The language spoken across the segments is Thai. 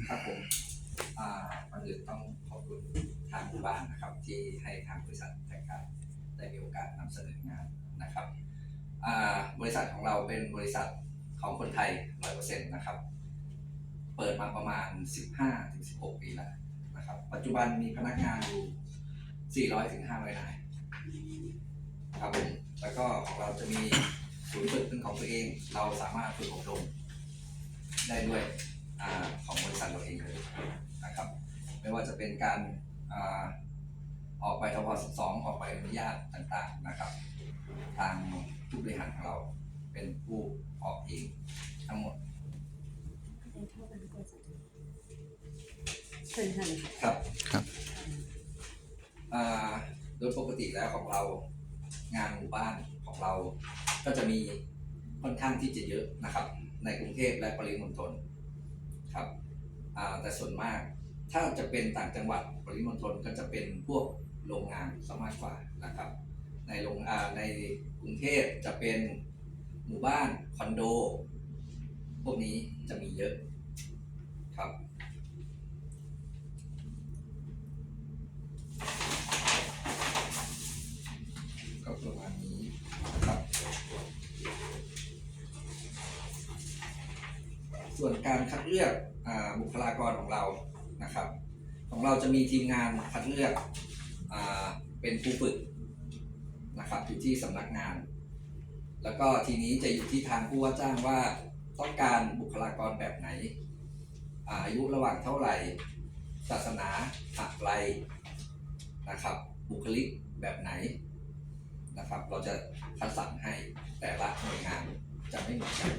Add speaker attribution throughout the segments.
Speaker 1: ครับผมก่อนอื่นต้องขอบคุณทางผู้บ้านนะครับที่ให้ทางบริษัทแทงการได้มีโอกาสนำเสนองานนะครับบริษัทของเราเป็นบริษัทของคนไทย 100% นะครับเปิดมาประมาณ 15-16 ปีแล้วนะครับปัจจุบันมีพนักงานอยู่400-500 นายครับผมแล้วก็ของเราจะมีศูนย์ฝึกเป็นของตัวเองเราสามารถฝึกอบรมได้ด้วยของบริษัทเราเองเลยนะครับไม่ว่าจะเป็นการออกใบทบ12ออกใบอนุญาตต่างๆนะครับทางผู้บริหารของเราเป็นผู้ออกเองทั้งหมดครับโดยปกติแล้วของเรางานหมู่บ้านของเราก็จะมีค่อนข้างที่จะเยอะนะครับในกรุงเทพและปริมณฑลครับแต่ส่วนมากถ้าจะเป็นต่างจังหวัดปริมณฑลก็จะเป็นพวกโรงงานซะมากกว่านะครับในกรุงเทพจะเป็นหมู่บ้านคอนโดพวกนี้จะมีเยอะครับก็ประมาณนี้ครับส่วนการคัดเลือกบุคลากรของเรานะครับของเราจะมีทีมงานคัดเลือกเป็นผู้ฝึกนะครับอยู่ที่สำนักงานแล้วก็ทีนี้จะอยู่ที่ทางผู้ว่าจ้างว่าต้องการบุคลากรแบบไหนอายุระหว่างเท่าไหร่ศาสนาอะไรนะครับบุคลิกแบบไหนนะครับเราจะคัดสรรให้แต่ละหน่วยงานจะไม่เหมือนกัน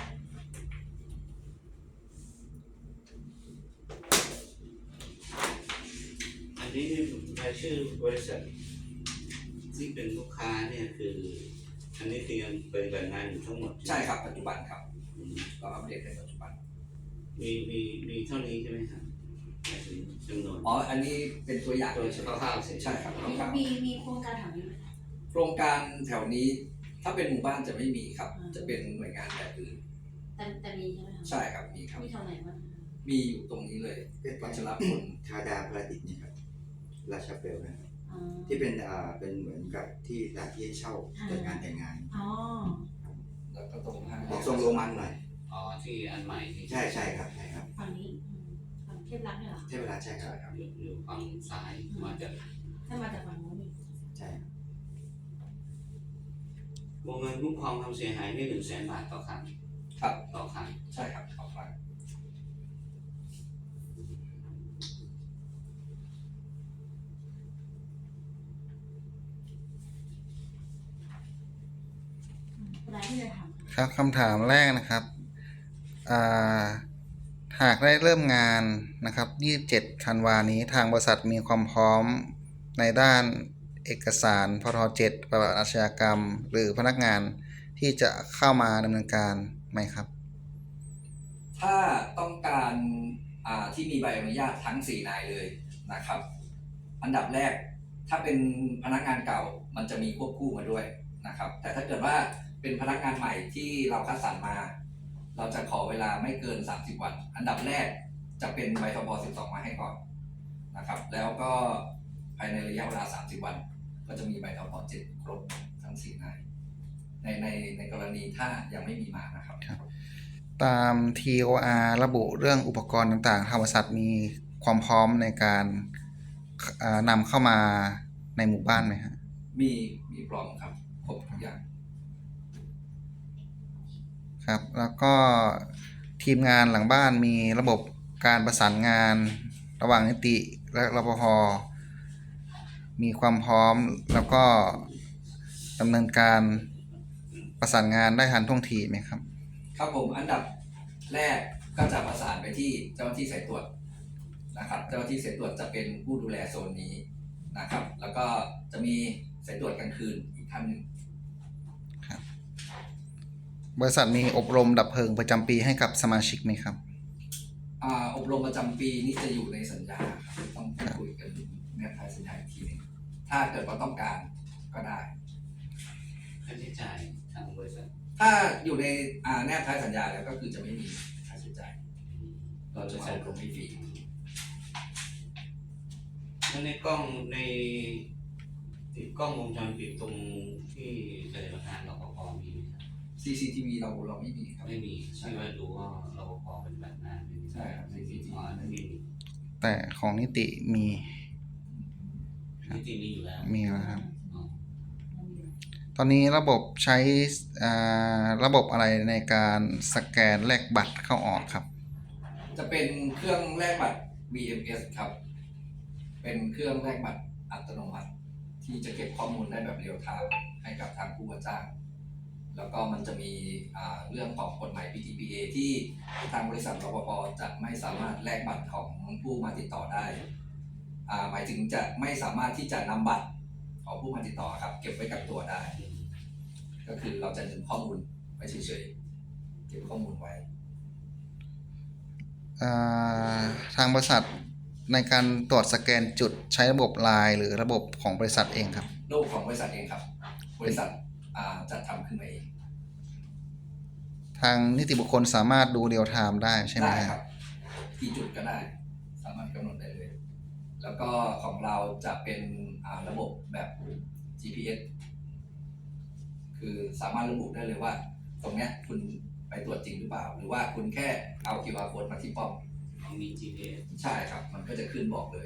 Speaker 2: อันนี้รายชื่อบริษัทที่เป็นลูกค้าเนี่ยคืออันนี้คือยังปฏิบัติงานอยู่ทั้งหมด
Speaker 1: ใช่ครับปัจจุบันครับเราอัปเดตในปัจจุบัน
Speaker 2: มีเท่านี้ใช่ไหมครับจำนวน
Speaker 1: อันนี้เป็นตัวอย่าง
Speaker 2: ตัวคร่าวๆ
Speaker 1: ใช่ครับ
Speaker 3: มีโครงการแถวนี้ไหม
Speaker 1: โครงการแถวนี้ถ้าเป็นหมู่บ้านจะไม่มีครับจะเป็นหน่วยงานแบบอื่น
Speaker 3: แต่มีใช่ไหมครับ
Speaker 1: ใช่ครับมีครับ
Speaker 3: มีแถวไหนบ้าง
Speaker 1: มีอยู่ตรงนี้เลยวัชรพล
Speaker 4: ธาดาพระดิษฐ์นี่ครับราชาเปลนะครับที่เป็นเหมือนกับที่สถานที่เช่าจัดงานแต่งงาน
Speaker 1: แล้วก็ตรงห้าง
Speaker 4: ทรงโรมันหน่อย
Speaker 2: ที่อันใหม่ที่
Speaker 4: ใช่ครับ
Speaker 3: ฝั่งนี้ฝั่งเทพรักษ์เนี่ยเหรอ
Speaker 4: เทพรักษ์ใช่ครับ
Speaker 2: อยู่ฝั่งซ้ายมาจาก
Speaker 3: ถ้ามาจากฝั่งโน้นนี่
Speaker 4: ใช่
Speaker 2: วงเงินคุ้มครองความเสียหายนี่100,000 บาทต่อครั้ง
Speaker 1: ครับ
Speaker 2: ต่อครั้ง
Speaker 1: ใช่ครับต่อครั้ง
Speaker 5: ครับคำถามแรกนะครับหากได้เริ่มงานนะครับ27 ธันวานี้ทางบริษัทมีความพร้อมในด้านเอกสารพท7ประวัติอาชญากรรมหรือพนักงานที่จะเข้ามาดำเนินการไหมครับ
Speaker 1: ถ้าต้องการที่มีใบอนุญาตทั้ง4 นายเลยนะครับอันดับแรกถ้าเป็นพนักงานเก่ามันจะมีควบคู่มาด้วยนะครับแต่ถ้าเกิดว่าเป็นพนักงานใหม่ที่เราคัดสรรมาเราจะขอเวลาไม่เกิน30 วันอันดับแรกจะเป็นใบทบ12มาให้ก่อนนะครับแล้วก็ภายในระยะเวลา30 วันก็จะมีใบทบ7ครบทั้ง4 นายในกรณีถ้ายังไม่มีมานะครับ
Speaker 5: ตาม TOR ระบุเรื่องอุปกรณ์ต่างๆทางบริษัทมีความพร้อมในการนำเข้ามาในหมู่บ้านไหมฮะ
Speaker 1: มีพร้อมครับครบทุกอย่าง
Speaker 5: ครับแล้วก็ทีมงานหลังบ้านมีระบบการประสานงานระหว่างนิติและรปภ.มีความพร้อมแล้วก็ดำเนินการประสานงานได้ทันท่วงทีไหมครับ
Speaker 1: ครับผมอันดับแรกก็จะประสานไปที่เจ้าหน้าที่สายตรวจนะครับเจ้าหน้าที่สายตรวจจะเป็นผู้ดูแลโซนนี้นะครับแล้วก็จะมีสายตรวจกลางคืนอีกท่านหนึ่ง
Speaker 5: ครับบริษัทมีอบรมดับเพลิงประจำปีให้กับสมาชิกไหมครับ
Speaker 1: อบรมประจำปีนี้จะอยู่ในสัญญาครับต้องคุยกันแนบท้ายสัญญาอีกทีนึงถ้าเกิดว่าต้องการก็ได้
Speaker 2: ค่าใช้จ่ายทางบริษัท
Speaker 1: ถ้าอยู่ในแนบท้ายสัญญาแล้วก็คือจะไม่มีค่าใช้จ่ายเราจะเอาตรงนี้ฟรี
Speaker 2: แล้วในกล้องในติดกล้องวงจรปิดตรงที่ปฏิบัติงานรปภมีไหมครับ
Speaker 1: CCTV เราไม่มีครับ
Speaker 2: ไม่มีที่ว่าดูว่ารปภปฏิบัติงานไม่มี
Speaker 1: ใช่ครับ CCTV
Speaker 2: อ๋อนั่นมี
Speaker 5: แต่ของนิติมี
Speaker 2: นิติมีอยู่แล้ว
Speaker 5: มีแล้วครับ
Speaker 2: อ๋อ
Speaker 5: ตอนนี้ระบบใช้ระบบอะไรในการสแกนแลกบัตรเข้าออกครับ
Speaker 1: จะเป็นเครื่องแลกบัตร BMS ครับ เป็นเครื่องแลกบัตรอัตโนมัติ ที่จะเก็บข้อมูลได้แบบเรียลไทม์ให้กับทางผู้ว่าจ้าง แล้วก็มันจะมีเรื่องของกฎหมาย PTPA ที่ทางบริษัทรปภจะไม่สามารถแลกบัตรของผู้มาติดต่อได้หมายถึงจะไม่สามารถที่จะนำบัตรของผู้มาติดต่อครับ เก็บไว้กับตัวได้ ก็คือเราจะดึงข้อมูลไว้เฉยๆเก็บข้อมูลไว้
Speaker 5: ทางบริษัทในการตรวจสแกนจุดใช้ระบบไลน์หรือระบบของบริษัทเองครับ
Speaker 1: ระบบของบริษัทเองครับ บริษัทจัดทำขึ้นมาเอง
Speaker 5: ทางนิติบุคคลสามารถดูเรียลไทม์ได้ใช่ไหม
Speaker 1: ได้
Speaker 5: ค
Speaker 1: ค
Speaker 5: รั
Speaker 1: รับ บกี่จุดก็ได้ สามารถกำหนดได้เลย แล้วก็ของเราจะเป็นระบบแบบ GPS คือสามารถระบุได้เลยว่า ตรงเนี้ยคุณไปตรวจจริงหรือเปล่า หรือว่าคุณแค่เอา QR code มาที่ป้อม
Speaker 2: มี GPS
Speaker 1: ใช่ครับ มันก็จะขึ้นบอกเลย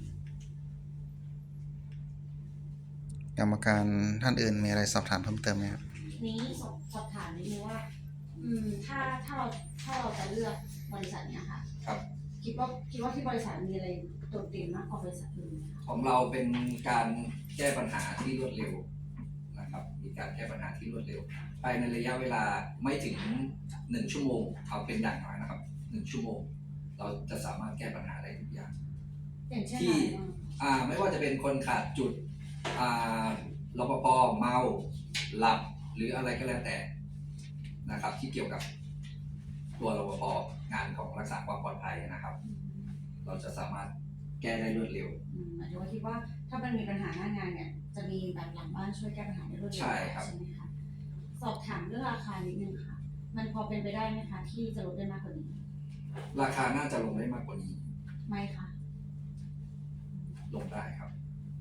Speaker 5: กรรมการท่านอื่นมีอะไรสอบถามเพิ่มเติมไหมครับ
Speaker 3: นี้สอบถามนิดนึงว่า ถ้าเราจะเลือกบริษัทเนี้ยค่ะ
Speaker 1: ครับ
Speaker 3: คิดว่าที่บริษัทมีอะไรโดดเด่นมากกว่าบริษัทอื่นไหมคะ
Speaker 1: ของเราเป็นการแก้ปัญหาที่รวดเร็วนะครับ มีการแก้ปัญหาที่รวดเร็ว ภายในระยะเวลาไม่ถึง1 ชั่วโมง เอาเป็นอย่างน้อยนะครับ1 ชั่วโมง เราจะสามารถแก้ปัญหาได้ทุกอย่าง
Speaker 3: อย่างเช่น
Speaker 1: ที่
Speaker 3: อะไรบ้าง
Speaker 1: ไม่ว่าจะเป็นคนขาดจุดรปภเมาหลับหรืออะไรก็แล้วแต่นะครับ ที่เกี่ยวกับตัวรปภงานของรักษาความปลอดภัยนะครับ เราจะสามารถแก้ได้รวดเร็ว
Speaker 3: หมายถึงว่าคิดว่าถ้ามันมีปัญหาหน้างานเนี่ยจะมีแบบหลังบ้านช่วยแก้ปัญหาได้รวดเร็ว
Speaker 1: ใช่ครับ
Speaker 3: ใช่ไหมคะสอบถามเรื่องราคานิดนึงค่ะ มันพอเป็นไปได้ไหมคะที่จะลดได้มากกว่านี้
Speaker 1: ราคาน่าจะลงได้มากกว่านี้
Speaker 3: ไม่ค่ะ
Speaker 1: ลงได้ครับ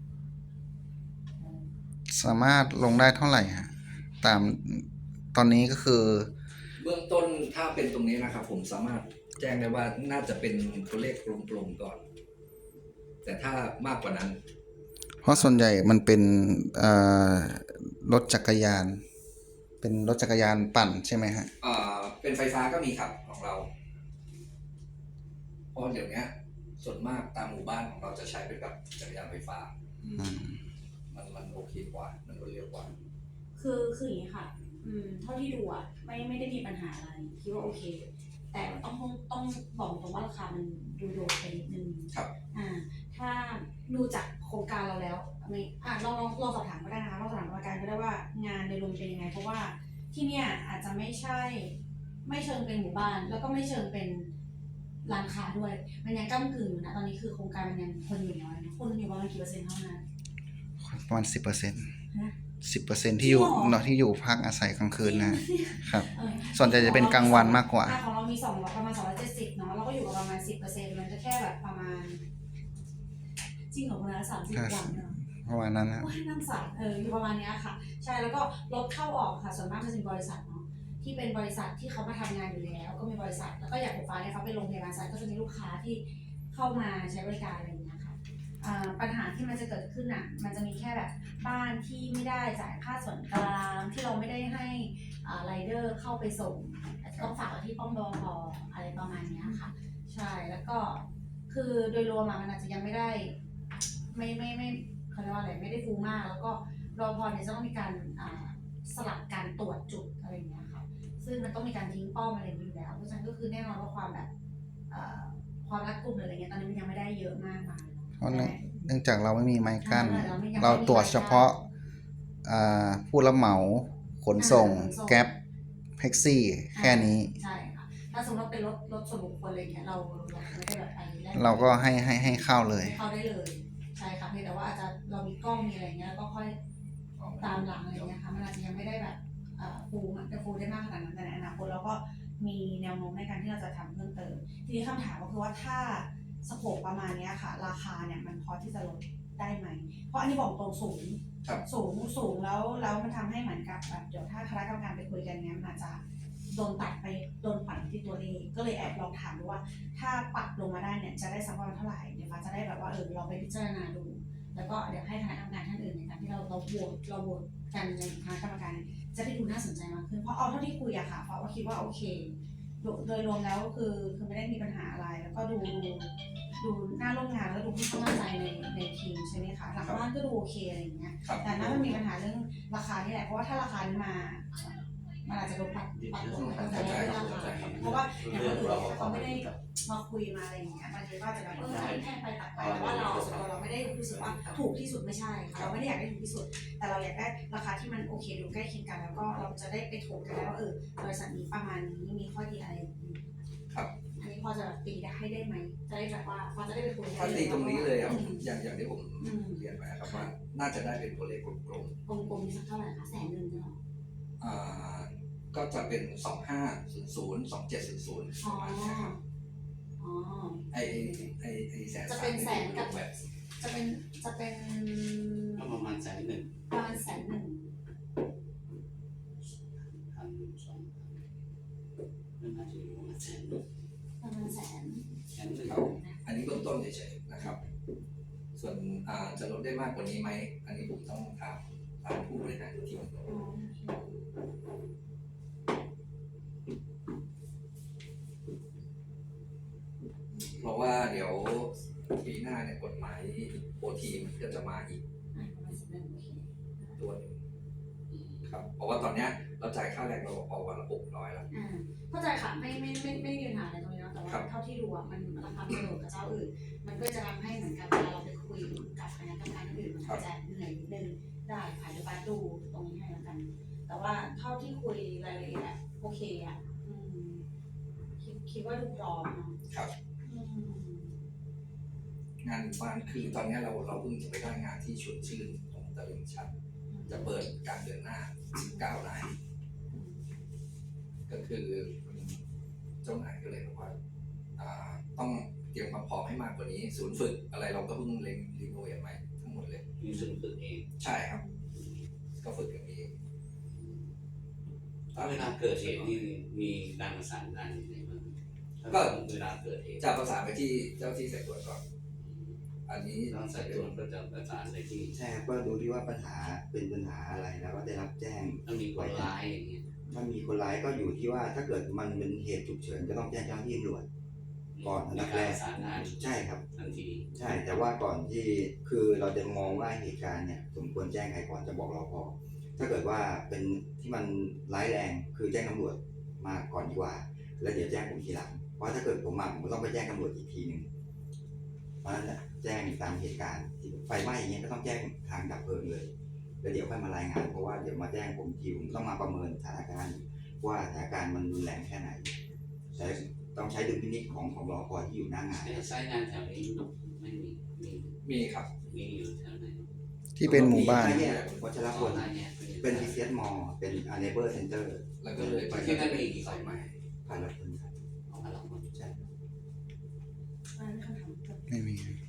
Speaker 5: สามารถลงได้เท่าไหร่ฮะตามตอนนี้ก็คือ
Speaker 1: เบื้องต้นถ้าเป็นตรงนี้นะครับ ผมสามารถแจ้งได้ว่าน่าจะเป็นตัวเลขกลมๆก่อน แต่ถ้ามากกว่านั้น
Speaker 5: เพราะส่วนใหญ่มันเป็นรถจักรยาน เป็นรถจักรยานปั่นใช่ไหมฮะ
Speaker 1: เป็นไฟฟ้าก็มีครับของเรา เพราะเดี๋ยวนี้ส่วนมากตามหมู่บ้านของเราจะใช้เป็นแบบจักรยานไฟฟ้า มันโอเคกว่า มันรวดเร็วกว่า
Speaker 3: คืออย่างนี้ค่ะ เท่าที่ดูอ่ะไม่ได้มีปัญหาอะไรคิดว่าโอเค แต่ต้องบอกตรงว่าราคามันดูโดดไปนิดนึง
Speaker 1: ครับ
Speaker 3: ถ้าดูจากโครงการเราแล้วลองสอบถามก็ได้นะคะลองสอบถามกรรมการก็ได้ว่างานโดยรวมเป็นยังไง เพราะว่าที่เนี่ยอาจจะไม่เชิงเป็นหมู่บ้าน แล้วก็ไม่เชิงเป็นร้านค้าด้วย มันยังก้ำกึ่งอยู่นะตอนนี้คือโครงการมันยังคนอยู่น้อยนะคนอยู่ประมาณกี่เปอร์เซ็นต์เท่านั้น
Speaker 5: ประมาณ 10%
Speaker 3: ฮะ
Speaker 5: 10%ที่อยู่
Speaker 3: จริงเหรอ
Speaker 5: เนาะที่อยู่พักอาศัยกลางคืนนะครับ
Speaker 3: เออ
Speaker 5: ส่วนใหญ่จะเป็นกลางวันมากกว่า
Speaker 3: ของเรามีประมาณ270เนาะเราก็อยู่กับประมาณ 10%มันจะแค่แบบประมาณจริงเหรอคนละ30 วันเนาะ
Speaker 5: ประมาณนั้นนะ
Speaker 3: โอ้ยน้ำสารอยู่ประมาณเนี้ยค่ะ ใช่แล้วก็รถเข้าออกค่ะส่วนมากจะเป็นบริษัทเนาะที่เป็นบริษัทที่เขามาทำงานอยู่แล้ว ก็มีบริษัทแล้วก็อย่างผมฟ้าเนี่ยเขาเป็นโรงพยาบาลสัตว์ก็จะมีลูกค้าที่เข้ามาใช้บริการอะไรอย่างเงี้ยค่ะปัญหาที่มันจะเกิดขึ้นอ่ะมันจะมีแค่แบบบ้านที่ไม่ได้จ่ายค่าส่วนกลางที่เราไม่ได้ให้ไรเดอร์เข้าไปส่งอาจจะต้องฝากไว้ที่ป้อมบพอะไรประมาณเนี้ยค่ะใช่แล้วก็คือโดยรวมมันอาจจะยังไม่ได้ไม่เขาเรียกว่าอะไรไม่ได้ฟูมากแล้วก็รพเนี่ยจะต้องมีการสลับการตรวจจุดอะไรอย่างเงี้ยค่ะซึ่งมันต้องมีการทิ้งป้อมอะไรอย่างนี้อยู่แล้วเพราะฉะนั้นก็คือแน่นอนว่าความแบบความรัดกุมหรืออะไรเงี้ยตอนนี้มันยังไม่ได้เยอะมากมาย
Speaker 5: เพราะเนื่องจากเราไม่มีไม้กั้น
Speaker 3: เราไม่
Speaker 5: เราตรวจเฉพาะผู้รับเหมาขนส่งแก๊ปแท็กซี่แค่นี้
Speaker 3: ใช่ค่ะถ้าสมมติว่าเป็นรถส่วนบุคคลอะไรเงี้ยเราไม่ได้แบบไปแลก
Speaker 5: เราก็ให้เข้าเลย
Speaker 3: เข้าได้เลยใช่ค่ะเพียงแต่ว่าอาจจะเรามีกล้องมีอะไรเงี้ยแล้วก็ค่อยตามหลังอะไรเงี้ยค่ะมันอาจจะยังไม่ได้แบบฟูได้มากขนาดนั้นแต่ในอนาคตเราก็มีแนวโน้มในการที่เราจะทำเพิ่มเติมทีนี้คำถามก็คือว่าถ้าสโคปประมาณเนี้ยค่ะ ราคาเนี่ยมันพอที่จะลดได้ไหมเพราะอันนี้บอกตรงสูง
Speaker 1: ครับ
Speaker 3: สูงแล้วมันทำให้เหมือนกับแบบเดี๋ยวถ้าคณะกรรมการไปคุยกันเนี้ยมันอาจจะโดนตัดไปโดนปัดที่ตัวเลขก็เลยแอบลองถามดูว่า ถ้าปรับลงมาได้เนี่ยจะได้สักประมาณเท่าไหร่เดี๋ยวฟ้าจะได้แบบว่าเราไปพิจารณาดู แล้วก็เดี๋ยวให้คณะกรรมการท่านอื่นในการที่เราโหวตกันในคณะกรรมการจะได้ดูน่าสนใจมากขึ้นเพราะเอาเท่าที่คุยอะค่ะฟ้าว่าคิดว่าโอเคโดยรวมแล้วคือไม่ได้มีปัญหาอะไร แล้วก็ดูน่าร่วมงานแล้วดูค่อนข้างมั่นใจในทีมใช่ไหมคะหลังบ้านก็ดูโอเคอะไรอย่างเงี้ย
Speaker 1: ครับ
Speaker 3: แต่น่าจะมีปัญหาเรื่องราคานี่แหละเพราะว่าถ้าราคานี้มามันอาจจะโดนปรับลงตั้งแต่แรกราคาเพราะว่าอย่างคนอื่นเนี่ยเขาไม่ได้มาคุยมาอะไรอย่างเงี้ยมันเลยว่าจะแบบแค่ไปตัดไปแต่ว่าเราส่วนตัวเราไม่ได้รู้สึกว่าถูกที่สุดไม่ใช่ค่ะเราไม่ได้อยากได้ถูกที่สุด แต่เราอยากได้ราคาที่มันโอเคดูใกล้เคียงกัน แล้วก็เราจะได้ไปถกกันแล้วว่าบริษัทนี้ประมาณนี้มีข้อดีอะไร
Speaker 1: ครับ
Speaker 3: อันนี้พอจะแบบตีได้ไหมจะได้แบบว่าพอจะได้ไปคุย
Speaker 1: ถ้าตีตรงนี้เลยครับอย่างที่ผมเรียนไปครับว่าน่าจะได้เป็นตัวเลขกลม
Speaker 3: กลมๆสักเท่าไหร่คะ100,000ใช่ไหม
Speaker 1: ๆก็จะเป็น2500 2700ประมาณนี้ครับ
Speaker 3: อ๋อ
Speaker 1: ไอ้แสน
Speaker 3: จะเป็นแสนกับ
Speaker 1: แบบ
Speaker 3: จะเป็น
Speaker 2: ก็ประมาณ100,000
Speaker 3: ประมาณ100,000
Speaker 2: 1,200ไม่น่าจะอยู่ประมาณ100,000
Speaker 3: ประมาณ100,000
Speaker 1: ครับ อันนี้เบื้องต้นเฉยๆนะครับ ส่วนจะลดได้มากกว่านี้ไหม อันนี้ผมต้องถามผู้บริหารทีม
Speaker 3: อ๋อโอเค
Speaker 1: เพราะว่าเดี๋ยวปีหน้าเนี่ยกฎหมายโอทีมันก็จะมาอีก
Speaker 3: ประมาณ100,000โอเค
Speaker 1: ตัวหนึงครับ เพราะว่าตอนเนี้ยเราจ่ายค่าแรงรปภวันละ600แล้ว
Speaker 3: เข้าใจค่ะไม่มีปัญหาอะไรตรงนี้นะแต่ว่าเท่าที่ดูอ่ะมันราคามันโดดกับเจ้าอื่น มันก็จะทำให้เหมือนกับเวลาเราไปคุยกับคณะกรรมการอื่นมันอาจจะเหนื่อยนิดนึงได้ผ่านไปดูตรงนี้ให้แล้วกัน แต่ว่าเท่าที่คุยรายละเอียดอะโอเคอ่ะคิดว่าดูพร้อมเนาะ
Speaker 1: ครับ งานหมู่บ้านคือตอนเนี้ยเราเพิ่งจะไปได้งานที่ชวนชื่นตรงตลิ่งชัน จะเปิดกลางเดือนหน้า19รายก็คือเจ้านายก็เลยบอกว่าต้องเตรียมความพร้อมให้มากกว่านี้ ศูนย์ฝึกอะไรเราก็เพิ่งเล็งรีโนเวทใหม่ทั้งหมดเลย
Speaker 2: มีซึ่งฝึกเอง
Speaker 1: ใช่ครับ ก็ฝึกอย่างนี้
Speaker 2: ถ้าเวลาเกิดเหตุนี่มีการประสานงานยังไงบ้างก็เวลาเกิดเหตุ
Speaker 1: จะประสานไปที่เจ้าที่สายตรวจก่อน อันนี้
Speaker 2: ต้องสายตรวจก็จะประสานไปที่
Speaker 4: ใช่ครับก็ดูที่ว่าปัญหาเป็นปัญหาอะไรแล้วก็ได้รับแจ้ง
Speaker 2: ถ้ามีคนร้ายอย่างเงี้ย
Speaker 4: ถ้ามีคนร้ายก็อยู่ที่ว่าถ้าเกิดมันเป็นเหตุฉุกเฉินก็ต้องแจ้งเจ้าหน้าที่ตำรวจ ก่อนอันดับแรก
Speaker 2: มีการประสานงาน
Speaker 4: ใช่ครับ
Speaker 2: ทันที
Speaker 4: ใช่แต่ว่าก่อนที่คือเราจะมองว่าเหตุการณ์เนี่ยสมควรแจ้งใครก่อนจะบอกรปภถ้าเกิดว่าเป็นที่มันร้ายแรงคือแจ้งตำรวจมาก่อนดีกว่า แล้วเดี๋ยวแจ้งผมทีหลังเพราะถ้าเกิดผมมาผมก็ต้องไปแจ้งตำรวจอีกทีหนึ่งเพราะฉะนั้นน่ะแจ้งตามเหตุการณ์ที่ไฟไหม้อย่างเงี้ยก็ต้องแจ้งทางดับเพลิงเลยแล้วเดี๋ยวค่อยมารายงานเพราะว่าเดี๋ยวมาแจ้งผมทีผมต้องมาประเมินสถานการณ์ว่าสถานการณ์มันรุนแรงแค่ไหนแต่ต้องใช้ดุลพินิจของรปภที่อยู่หน้างาน
Speaker 2: ไซต์งานแถวนี้ไม่มี
Speaker 1: มีครับ
Speaker 2: มีอยู่แถวไหน
Speaker 5: ที่เป็นหมู่บ้าน
Speaker 4: มี5แยกวัชรพล
Speaker 2: ร้านเนี่ย
Speaker 4: เป็น PCS Mall เป็น Neighbor Center
Speaker 1: แล้วก็เลยไป
Speaker 2: ที่นั่นมีกี่
Speaker 1: สา
Speaker 2: สาย ย
Speaker 1: ให
Speaker 2: ไหม
Speaker 1: ม่
Speaker 4: ผ่านละคนครับ
Speaker 2: เอามาลองมา
Speaker 4: ใช่
Speaker 3: อันนี้คำถาม
Speaker 5: ไม่มี